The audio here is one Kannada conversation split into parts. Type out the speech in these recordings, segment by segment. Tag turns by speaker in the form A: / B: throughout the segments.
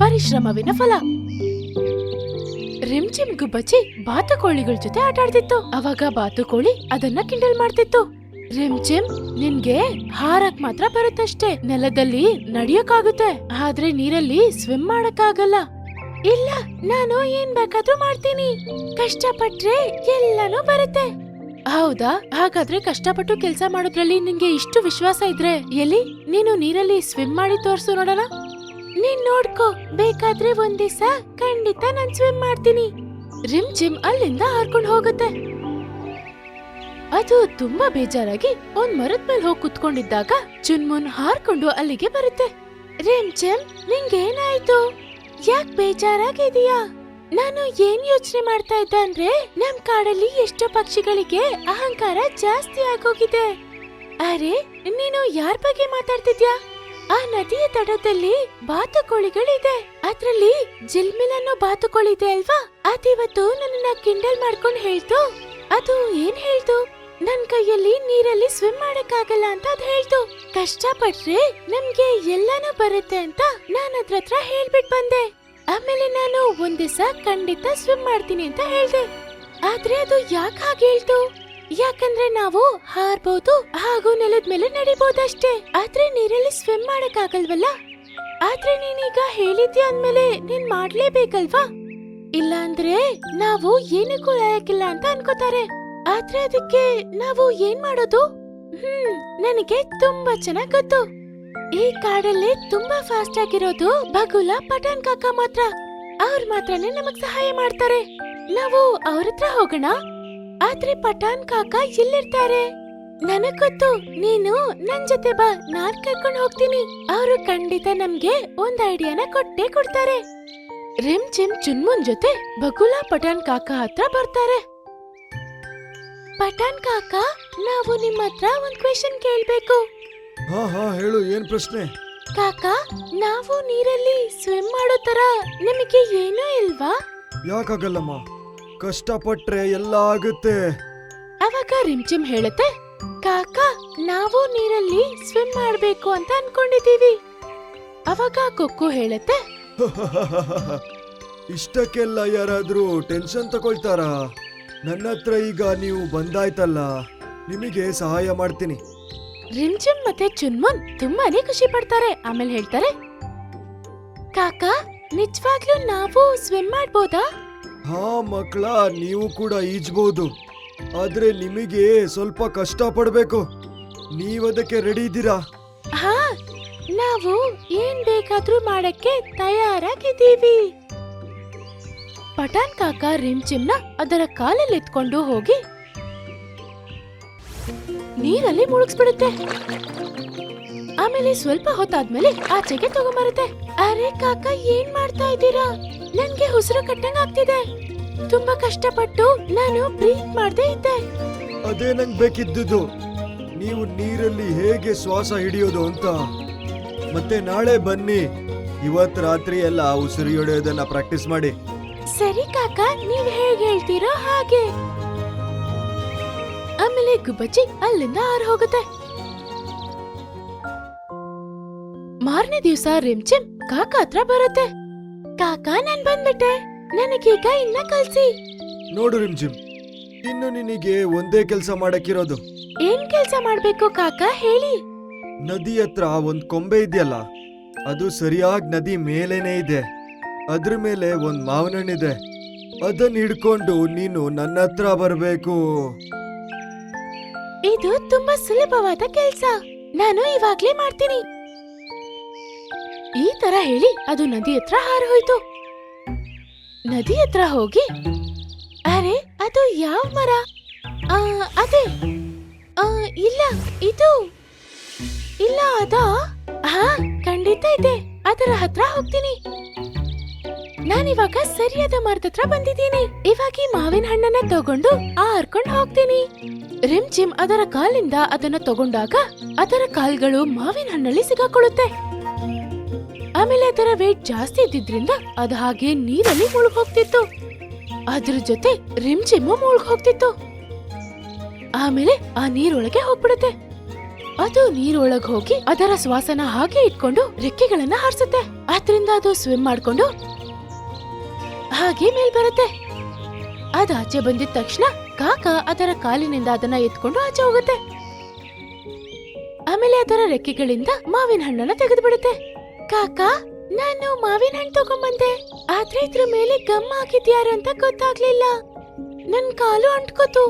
A: ಪರಿಶ್ರಮವಿನ ಫಲ. ರಿಮ್ಚಿಮ್ ಗುಬ್ಬಚ್ಚಿ ಬಾತುಕೋಳಿಗಳ ಜೊತೆ ಆಟಾಡ್ತಿತ್ತು. ಅವಾಗ ಬಾತುಕೋಳಿ ಅದನ್ನ ಕಿಂಡಲ್ ಮಾಡ್ತಿತ್ತು. ರಿಮ್ಚಿಮ್, ನಿನ್ಗೆ ಹಾರಕ್ ಮಾತ್ರ ಬರುತ್ತಷ್ಟೇ, ನೆಲದಲ್ಲಿ ನಡಿಯಕ್ಕಾಗುತ್ತೆ, ಆದ್ರೆ ನೀರಲ್ಲಿ ಸ್ವಿಮ್ ಮಾಡಕ್ಕಾಗಲ್ಲ. ಇಲ್ಲ, ನಾನು ಏನ್ ಬೇಕಾದ್ರೂ ಮಾಡ್ತೀನಿ, ಕಷ್ಟಪಟ್ರೆ ಎಲ್ಲಾನು ಬರುತ್ತೆ. ಹೌದಾ? ಹಾಗಾದ್ರೆ ಕಷ್ಟಪಟ್ಟು ಕೆಲ್ಸ ಮಾಡೋದ್ರಲ್ಲಿ ನಿನ್ಗೆ ಇಷ್ಟು ವಿಶ್ವಾಸ ಇದ್ರೆ ಎಲ್ಲಿ ನೀನು ನೀರಲ್ಲಿ ಸ್ವಿಮ್ ಮಾಡಿ ತೋರ್ಸು ನೋಡೋಣ. ನೀನ್ ನೋಡ್ಕೋ, ಬೇಕಾದ್ರೆ ಒಂದ್ ದಿವಸ ಖಂಡಿತ ನಾನ್ ಸ್ವಿಮ್ ಮಾಡ್ತೀನಿ. ರಿಮ್ಚಿಮ್ ಅಲ್ಲಿಂದ ಹಾರ್ಕೊಂಡ್ ಹೋಗುತ್ತೆ. ಅದು ತುಂಬಾ ಬೇಜಾರಾಗಿ ಒಂದ್ ಮರದ ಮೇಲೆ ಹೋಗಿ ಕುತ್ಕೊಂಡಿದ್ದಾಗ ಚುನ್ಮುನ್ ಹಾರ್ಕೊಂಡು ಅಲ್ಲಿಗೆ ಬರುತ್ತೆ. ರಿಮ್ಚಿಮ್, ನಿಂಗೇನಾಯ್ತು? ಯಾಕ್ ಬೇಜಾರಾಗಿದೀಯಾ? ನಾನು ಏನ್ ಯೋಚನೆ ಮಾಡ್ತಾ ಇದ್ದ ಅಂದ್ರೆ, ನಮ್ ಕಾಡಲ್ಲಿ ಎಷ್ಟೋ ಪಕ್ಷಿಗಳಿಗೆ ಅಹಂಕಾರ ಜಾಸ್ತಿ ಆಗೋಗಿದೆ. ಅರೆ, ನೀನು ಯಾರ್ ಬಗ್ಗೆ ಮಾತಾಡ್ತಿದ್ಯಾ? ಆ ನದಿಯ ತಟದಲ್ಲಿ ಬಾತುಕೋಳಿಗಳಿದೆ, ಅದ್ರಲ್ಲಿ ಜಿಲ್ಮಿಲ್ ಅನ್ನೋ ಬಾತುಕೋಳಿ ಇದೆ ಅಲ್ವಾ? ಅದಿವತ್ತು ನನ್ನ ಕಿಂಡಲ್ ಮಾಡ್ಕೊಂಡ್ ಹೇಳ್ತು. ಅದು ಏನ್ ಹೇಳ್ತು? ನನ್ ಕೈಯಲ್ಲಿ ನೀರಲ್ಲಿ ಸ್ವಿಮ್ ಮಾಡಕ್ಕಾಗಲ್ಲ ಅಂತ ಅದ್ ಹೇಳ್ತು. ಕಷ್ಟಪಟ್ರೆ ನಮ್ಗೆ ಎಲ್ಲಾನು ಬರುತ್ತೆ ಅಂತ ನಾನ್ ಅದ್ರ ಹೇಳ್ಬಿಟ್ ಬಂದೆ. ಆಮೇಲೆ ನಾನು ಒಂದ್ ದಿವಸ ಖಂಡಿತ ಸ್ವಿಮ್ ಮಾಡ್ತೀನಿ ಅಂತ ಹೇಳ್ದೆ. ಆದ್ರೆ ಅದು ಯಾಕೆ ಹಾಗೆ ಹೇಳ್ತು? ಯಾಕಂದ್ರೆ ನಾವು ಹಾರ್ಬಹುದು ಹಾಗೂ ನೆಲದ ಮೇಲೆ ನಡಿಬಹುದಷ್ಟೇ, ಆದ್ರೆ ನೀರಲ್ಲಿ ಸ್ವಿಮ್ ಮಾಡಕ್ ಆಗಲ್ವಲ್ಲ. ಆದ್ರೆ ನೀನೀಗ ಹೇಳಿದ್ಯಾ ಅಂದ್ಮೇಲೆ ನೀನ್ ಮಾಡ್ಲೇಬೇಕಲ್ವಾ? ಇಲ್ಲ ಅಂದ್ರೆ ನಾವು ಏನಕ್ಕೂ ಲಾಯಕ್ಕಿಲ್ಲ ಅಂತ ಅನ್ಕೋತಾರೆ. ಆದ್ರೆ ಅದಕ್ಕೆ ನಾವು ಏನ್ ಮಾಡೋದು? ನನಗೆ ತುಂಬಾ ಚೆನ್ನಾಗ್ ಗೊತ್ತು. ಈ ಕಾಡಲ್ಲಿ ತುಂಬಾ ಫಾಸ್ಟ್ ಆಗಿರೋದು ಬಗುಲ, ಪಠಾನ್ ಕಾಕ ಮಾತ್ರ. ಅವ್ರ ಮಾತ್ರನೇ ನಮಗ್ ಸಹಾಯ ಮಾಡ್ತಾರೆ. ನಾವು ಅವ್ರ ಹತ್ರ ಹೋಗೋಣ. ಆದ್ರೆ ಪಠಾನ್ ಕಾಕ ಎಲ್ಲಿರ್ತಾರೆ? ನನಗ್ ಗೊತ್ತು, ನೀನು ನನ್ ಜೊತೆ ಬಾ, ನಾನ್ ಕರ್ಕೊಂಡ್ ಹೋಗ್ತೀನಿ. ಅವರು ಖಂಡಿತ ನಮ್ಗೆ ಒಂದ್ ಐಡಿಯಾನ ಕೊಟ್ಟೆ ಕೊಡ್ತಾರೆ. ರಿಮ್ಚಿಮ್ ಚುನ್ಮುನ್ ಜೊತೆ ಬಗುಲ ಪಠಾನ್ ಕಾಕ ಹತ್ರ ಬರ್ತಾರೆ. ಪಠಾನ್ ಕಾಕ, ನಾವು ನಿಮ್ಮ ಹತ್ರ ಒಂದ್ ಕ್ವೆಶ್ಚನ್ ಕೇಳ್ಬೇಕು.
B: ಹಾ ಹಾ ಹೇಳು, ಏನ್ ಪ್ರಶ್ನೆ?
A: ಕಾಕ, ನಾವು ನೀರಲ್ಲಿ ಸ್ವಿಮ್ ಮಾಡೋ ತರ ನಿಮಗೆ ಏನೂ ಇಲ್ವಾ?
B: ಯಾಕಾಗಲ್ಲಮ್ಮ, ಕಷ್ಟಪಟ್ರೆ ಎಲ್ಲ ಆಗುತ್ತೆ.
A: ಅವಾಗ ರಿಮ್ಚಿಮ್ ಹೇಳುತ್ತೆ, ಕಾಕ, ನಾವು ನೀರಲ್ಲಿ ಸ್ವಿಮ್ ಮಾಡ್ಬೇಕು ಅಂತ ಅನ್ಕೊಂಡಿದೀವಿ. ಅವಾಗ ಕೊಕ್ಕು ಹೇಳುತ್ತೆ,
B: ಇಷ್ಟಕ್ಕೆಲ್ಲ ಯಾರಾದ್ರೂ ಟೆನ್ಷನ್ ತಗೊಳ್ತಾರ? ನನ್ನ ಹತ್ರ ಈಗ ನೀವು ಬಂದಾಯ್ತಲ್ಲ, ನಿಮಗೆ ಸಹಾಯ ಮಾಡ್ತೀನಿ.
A: ರಿಮ್ಚಿಮ್ ಮತ್ತೆ ಚುನ್ಮುನ್ ತುಂಬಾನೇ ಖುಷಿ ಪಡ್ತಾರೆ. ಆಮೇಲೆ ಹೇಳ್ತಾರೆ, ಕಾಕ, ನಿಜವಾಗ್ಲೂ ನಾವು ಸ್ವಿಮ್ ಮಾಡ್ಬೋದಾ?
B: ಹಾ ಮಕ್ಕಳ, ನೀವು ಕೂಡ ಈಜ್ಬಹುದು, ಆದ್ರೆ ನಿಮಗೆ ಸ್ವಲ್ಪ ಕಷ್ಟ ಪಡ್ಬೇಕು. ನೀವದಕ್ಕೆ ರೆಡಿ ಇದ್ದೀರಾ?
A: ಹಾ, ನಾವು ಏನ್ ಬೇಕಾದ್ರೂ ಮಾಡಕ್ಕೆ ತಯಾರಾಗಿದ್ದೀವಿ. ಪಠಾನ್ ಕಾಕ ರಿಮ್ಚಿಮ್ನ ಅದರ ಕಾಲಲ್ಲಿ ಎತ್ಕೊಂಡು ಹೋಗಿ ನೀರಲ್ಲಿ ಮುಳುಗಿಸ್ಬಿಡುತ್ತೆ. ಆಮೇಲೆ ಸ್ವಲ್ಪ ಹೊತ್ತಾದ್ಮೇಲೆ ಆಚೆಗೆ ತಗೊಂಬರುತ್ತೆ. ಅರೆ ಕಾಕ, ಏನ್ ಮಾಡ್ತಾ ಇದ್ದೀರಾ? ನನ್ಗೆ ಉಸಿರು ಕಟ್ಟಂಗ್ ಆಗ್ತಿದೆ. ತುಂಬಾ ಕಷ್ಟಪಟ್ಟು ನಾನು ಬ್ರೀತ್ ಮಾಡ್ದೇ ಇದ್ದೆ.
B: ಅದೇ ನಂಗ್ ಬೇಕಿದ್ದುದು, ನೀವು ನೀರಲ್ಲಿ ಹೇಗೆ ಶ್ವಾಸ ಹಿಡಿಯೋದು ಅಂತ. ಮತ್ತೆ ನಾಳೆ ಬನ್ನಿ, ಇವತ್ ರಾತ್ರಿ ಎಲ್ಲ ಉಸಿರು ಹಿಡಿಯೋದನ್ನ ಪ್ರಾಕ್ಟೀಸ್ ಮಾಡಿ.
A: ಸರಿ ಕಾಕ, ನೀವ್ ಹೇಗೆ ಹೇಳ್ತೀರೋ ಹಾಗೆ. ಆಮೇಲೆ ಗುಬ್ಬಚ್ಚಿ ಅಲ್ಲಿಂದ ಹಾರಿ ಹೋಗುತ್ತೆ. ಮಾರನೇ ದಿವಸ ರಿಮ್ಚಿಮ್ ಕಾಕ ಹತ್ರ ಬರುತ್ತೆ. ಕಾಕ, ನಾನ್ ಬಂದ್ಬಿಟ್ಟೆ, ನನಗೀಗ ಇನ್ನ ಕಲ್ಸಿ.
B: ನೋಡು ರಿಮ್ಜಿಮ್, ಇನ್ನು ನಿನಗೆ ಒಂದೇ ಕೆಲಸ ಮಾಡಕ್ಕಿರೋದು.
A: ಏನ್ ಕೆಲ್ಸ ಮಾಡ್ಬೇಕು ಕಾಕ, ಹೇಳಿ.
B: ನದಿ ಹತ್ರ ಒಂದ್ ಕೊಂಬೆ ಇದೆಯಲ್ಲ, ಅದು ಸರಿಯಾಗಿ ನದಿ ಮೇಲೇನೆ ಇದೆ. ಅದ್ರ ಮೇಲೆ ಒಂದ್ ಮಾವಿನ ಹಣ್ಣಿದೆ. ಅದನ್ನ ಹಿಡ್ಕೊಂಡು ನೀನು ನನ್ನ ಹತ್ರ ಬರ್ಬೇಕು.
A: ಇದು ತುಂಬಾ ಸುಲಭವಾದ ಕೆಲ್ಸ, ನಾನು ಇವಾಗ್ಲೇ ಮಾಡ್ತೀನಿ. ಈ ತರ ಹೇಳಿ ಅದು ನದಿ ಹತ್ರ ಹಾರಿ ಹೋಯ್ತು. ನದಿ ಹತ್ರ ಹೋಗಿ, ಅರೆ ಅದು ಯಾವ ಮರ? ಅದೇ ಇಲ್ಲ, ಇದು ಇಲ್ಲ, ಅದಾ? ಹಾ, ಖಂಡಿತ ಇದೆ, ಅದರ ಹತ್ರ ಹೋಗ್ತೀನಿ. ನಾನಿವಾಗ ಸರಿಯಾದ ಮರದ ಹತ್ರ ಬಂದಿದ್ದೀನಿ. ಇವಾಗ ಈ ಮಾವಿನ ಹಣ್ಣನ್ನ ತಗೊಂಡು ಹಾರ್ಕೊಂಡು ಹೋಗ್ತೀನಿ. ರಿಮ್ಚಿಮ್ ಅದರ ಕಾಲಿಂದ ಅದನ್ನ ತಗೊಂಡಾಗ ಅದರ ಕಾಲ್ಗಳು ಮಾವಿನ ಹಣ್ಣಲ್ಲಿ ಸಿಗಾಕೊಳ್ಳುತ್ತೆ. ಆಮೇಲೆ ಅದರ ವೇಟ್ ಜಾಸ್ತಿ ಇದ್ದಿದ್ರಿಂದ ಅದು ಹಾಗೆ ನೀರಲ್ಲಿ ಮುಳುಗ್ ಹೋಗ್ತಿತ್ತು. ಅದ್ರ ಜೊತೆ ರಿಮ್ಚಿಮ್ ಮುಳುಗ್ ಹೋಗ್ತಿತ್ತು. ಆಮೇಲೆ ಆ ನೀರೊಳಗೆ ಹೋಗ್ಬಿಡುತ್ತೆ. ಅದು ನೀರೊಳಗ್ ಹೋಗಿ ಅದರ ಶ್ವಾಸನ ಹಾಗೆ ಇಟ್ಕೊಂಡು ರೆಕ್ಕೆಗಳನ್ನ ಹಾರಿಸುತ್ತೆ. ಆದ್ರಿಂದ ಅದು ಸ್ವಿಮ್ ಮಾಡ್ಕೊಂಡು ಹಾಗೆ ಮೇಲ್ ಬರುತ್ತೆ. ಅದ್ ಆಚೆ ಬಂದಿದ ತಕ್ಷಣ ಕಾಕ ಅದರ ಕಾಲಿನಿಂದ ಅದನ್ನ ಎತ್ಕೊಂಡು ಆಚೆ ಹೋಗುತ್ತೆ. ಆಮೇಲೆ ಅದರ ರೆಕ್ಕೆಗಳಿಂದ ಮಾವಿನ ಹಣ್ಣನ್ನ ತೆಗೆದು ಬಿಡುತ್ತೆ. ಕಾಕ, ನಾನು ಮಾವಿನ ಹಣ್ಣು ತಗೊಂಬಂದೆ, ಆದ್ರೆ ಇದ್ರ ಮೇಲೆ ಗಮ್ ಹಾಕಿದ್ಯಾರು ಅಂತ ಗೊತ್ತಾಗ್ಲಿಲ್ಲ. ನನ್ ಕಾಲು ಅಂಟ್ಕೋತು.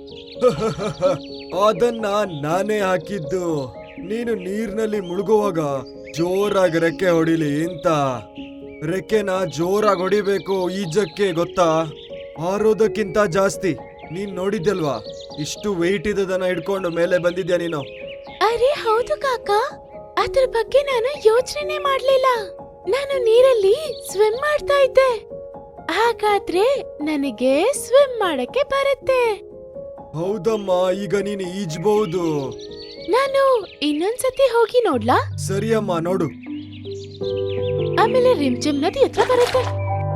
B: ಅದನ್ನ ನಾನೇ ಹಾಕಿದ್ದು. ನೀನು ನೀರ್ನಲ್ಲಿ ಮುಳುಗುವಾಗ ಜೋರಾಗಿ ರೆಕ್ಕೆ ಹೊಡಿಲಿ ಅಂತ. ರೆಕ್ಕೆನ ಜೋರಾಗಿ ಹೊಡಿಬೇಕು ಈಜಕ್ಕೆ, ಗೊತ್ತಾ? ಹಾರೋದಕ್ಕಿಂತ ಜಾಸ್ತಿ. ನೀನ್ ನೋಡಿದ್ಯಲ್ವಾ, ಇಷ್ಟು ವೆಯ್ಟ್ ಇದ್ದದನ್ನ ಹಿಡ್ಕೊಂಡು ಮೇಲೆ ಬಂದಿದ್ಯಾ ನೀನು.
A: ಅರೆ ಹೌದು ಕಾಕ, ಅದ್ರ ಬಗ್ಗೆ ನಾನು ಯೋಚನೆ ಮಾಡ್ಲಿಲ್ಲ. ನಾನು ನೀರಲ್ಲಿ ಸ್ವಿಮ್ ಮಾಡ್ತಾ ಇದ್ದೆ. ಹಾಗಾದ್ರೆ ನನಗೆ ಸ್ವಿಮ್ ಮಾಡಕ್ಕೆ ಬರುತ್ತೆ.
B: ಹೌದಮ್ಮ, ಈಗ ನೀನು ಈಜ್ಬಹುದು.
A: ನಾನು ಇನ್ನೊಂದ್ಸತಿ ಹೋಗಿ ನೋಡ್ಲಾ?
B: ಸರಿಯಮ್ಮ, ನೋಡು.
A: ಆಮೇಲೆ ರಿಮ್ಚಿಮ್ ನದಿ ಹತ್ರ ಬರುತ್ತೆ.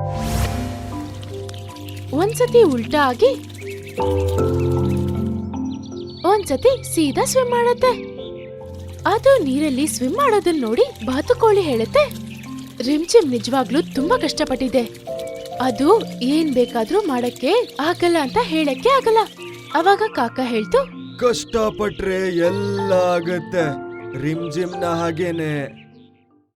A: ಒಂದ್ಸತಿ ಉಲ್ಟಾ ಆಗಿ ಒಂದ್ಸತಿ ಸೀದಾ ಸ್ವಿಮ್ ಮಾಡುತ್ತೆ. ಅದು ನೀರಲ್ಲಿ ಸ್ವಿಮ್ ಮಾಡೋದನ್ನ ನೋಡಿ ಬಾತುಕೋಳಿ ಹೇಳುತ್ತೆ, ರಿಮ್ಚಿಮ್ ನಿಜವಾಗ್ಲೂ ತುಂಬಾ ಕಷ್ಟಪಟ್ಟಿದೆ. ಅದು ಏನ್ ಬೇಕಾದ್ರೂ ಮಾಡಕ್ಕೆ ಆಗಲ್ಲ ಅಂತ ಹೇಳಕ್ಕೆ ಆಗಲ್ಲ. ಅವಾಗ ಕಾಕ ಹೇಳ್ತು,
B: ಕಷ್ಟಪಟ್ರೆ ಎಲ್ಲ ಆಗತ್ತೆ. ರಿಮ್ ಜಿಮ್ನ ಹಾಗೇನೆ